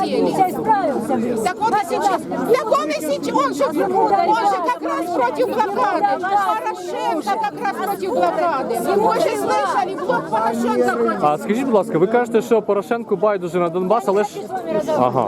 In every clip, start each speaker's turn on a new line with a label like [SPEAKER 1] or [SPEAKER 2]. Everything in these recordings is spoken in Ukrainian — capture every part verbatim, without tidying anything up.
[SPEAKER 1] хотели. Так он и сейчас, так он и сейчас, он же, он же как раз против блокады. Порошенко как раз против блокады. Вы же слышали, блок Порошенко против.
[SPEAKER 2] А скажіть, будь ласка, ви кажете, що Порошенку байдуже на Донбас, але ж... Ага.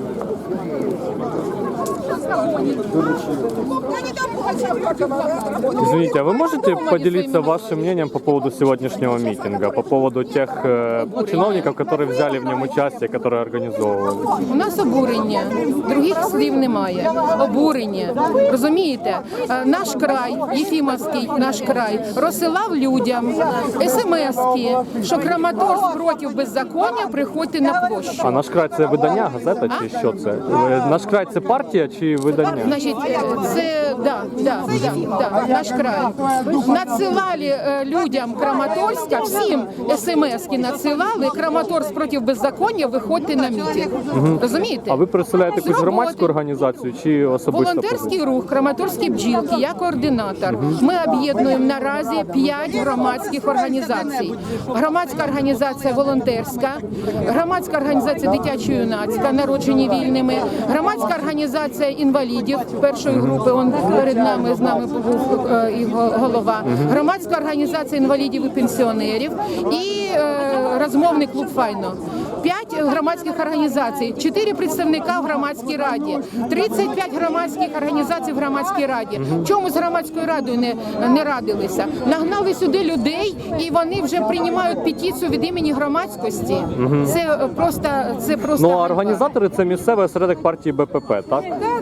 [SPEAKER 2] Извините, а вы можете поделиться вашим мнением по поводу сегодняшнего митинга, по поводу тех э, чиновников, которые взяли в нем участие, которые организовывали?
[SPEAKER 1] У нас обурення, других слів немає. Обурення. Розумієте? Е, Наш край, Єфімовський наш край, розсилав людям смс-ки, що Краматорськ проти беззаконня, приходьте на площу.
[SPEAKER 2] А «Наш край» – це видання, газета чи що це? Е, «Наш край» – це партія чи видання?
[SPEAKER 1] Значить, це, да, да, да, да, наш край. Надсилали е, людям Краматорська, всім смс-ки надсилали, Краматорськ проти беззаконня, виходьте на мітинг. Розумієте?
[SPEAKER 2] А ви представляєте якусь
[SPEAKER 1] З роботи.
[SPEAKER 2] громадську організацію чи особисто?
[SPEAKER 1] Волонтерський рух, Краматорські бджілки, я координатор. Ми об'єднуємо наразі п'ять громадських організацій. Громадська організація волонтерська, громадська організація дитячо-юнацька, народжені вільними, громадська організація інвалідів першої групи, он перед нами, з нами був е, його голова, громадська організація інвалідів і пенсіонерів і е, розмовний клуб «Файно». П'ять громадських організацій, чотири представника в громадській раді, тридцять п'ять громадських організацій в громадській раді. Чому з громадською радою не, не радилися? Нагнали сюди людей, і вони вже приймають петицію від імені громадськості. Це просто, це просто.
[SPEAKER 2] Ну, а організатори – це місцевий осередок партії БПП, так?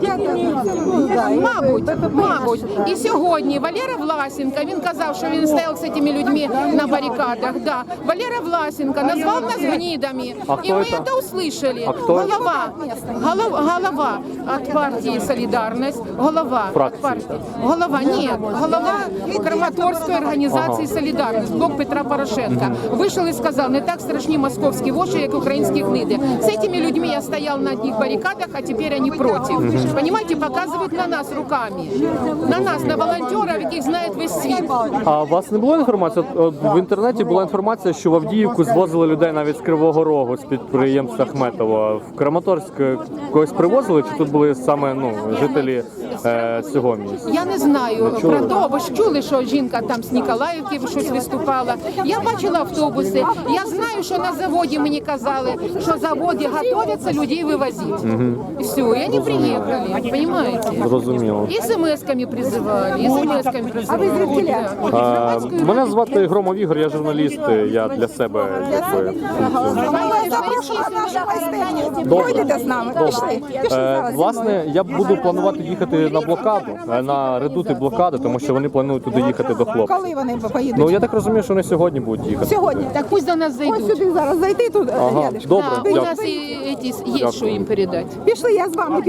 [SPEAKER 1] Мабуть, мабуть. І сьогодні Валера Власенко, він казав, що він стояв з цими людьми на барикадах. Да. Валера Власенко назвав нас гнидами.
[SPEAKER 2] А
[SPEAKER 1] И
[SPEAKER 2] кто
[SPEAKER 1] мы
[SPEAKER 2] это?
[SPEAKER 1] это услышали.
[SPEAKER 2] А кто
[SPEAKER 1] голова, голов, голова от партии «Солидарность», голова
[SPEAKER 2] Фракции.
[SPEAKER 1] от партии. Голова, нет, голова Краматорской организации
[SPEAKER 2] Ага.
[SPEAKER 1] «Солидарность», блок Петра Порошенка. Вышел и сказал, не так страшні московські воші, як українські гниди. С этими людьми я стоял на одних баррикадах, а теперь они против. Понимаете, показывают на нас руками. На нас, на волонтеров, яких знає весь світ.
[SPEAKER 2] А у вас не було інформації? От, от в інтернеті була інформація, що в Авдіївку звозили людей навіть з Кривого Рогу, з підприємства Ахметова. В Краматорськ когось привозили, чи тут були саме ну, жителі е, цього місця?
[SPEAKER 1] Я не знаю
[SPEAKER 2] Не чули?
[SPEAKER 1] про то, ви ж чули, що жінка там з Ніколаївки щось виступала. Я бачила автобуси. Я знаю, що на заводі мені казали, що заводи готуються людей вивозити. І все, і вони приїхали, розумієте?
[SPEAKER 2] Зрозуміло.
[SPEAKER 1] І смс-ками призивали, і смс-ками призивали.
[SPEAKER 2] А, мене звати Громов Ігор, я журналіст, я для себе якби
[SPEAKER 3] Пройдете з нами, пішли. Пішли
[SPEAKER 2] Е,
[SPEAKER 3] зараз.
[SPEAKER 2] власне, я буду планувати їхати на блокаду, е, на редути блокади, тому що вони планують туди їхати до хлопців.
[SPEAKER 3] Коли вони поїдуть?
[SPEAKER 2] Ну я так розумію, що вони сьогодні будуть їхати.
[SPEAKER 3] Сьогодні.
[SPEAKER 1] Так пусть до нас
[SPEAKER 3] Ось
[SPEAKER 1] зайдуть.
[SPEAKER 3] сюди зараз зайти тут.
[SPEAKER 2] Ага,
[SPEAKER 3] рядышком.
[SPEAKER 2] добре,
[SPEAKER 1] Да, у
[SPEAKER 2] дякую.
[SPEAKER 1] нас і, і, є, що їм передати.
[SPEAKER 3] Пішли, я з вами.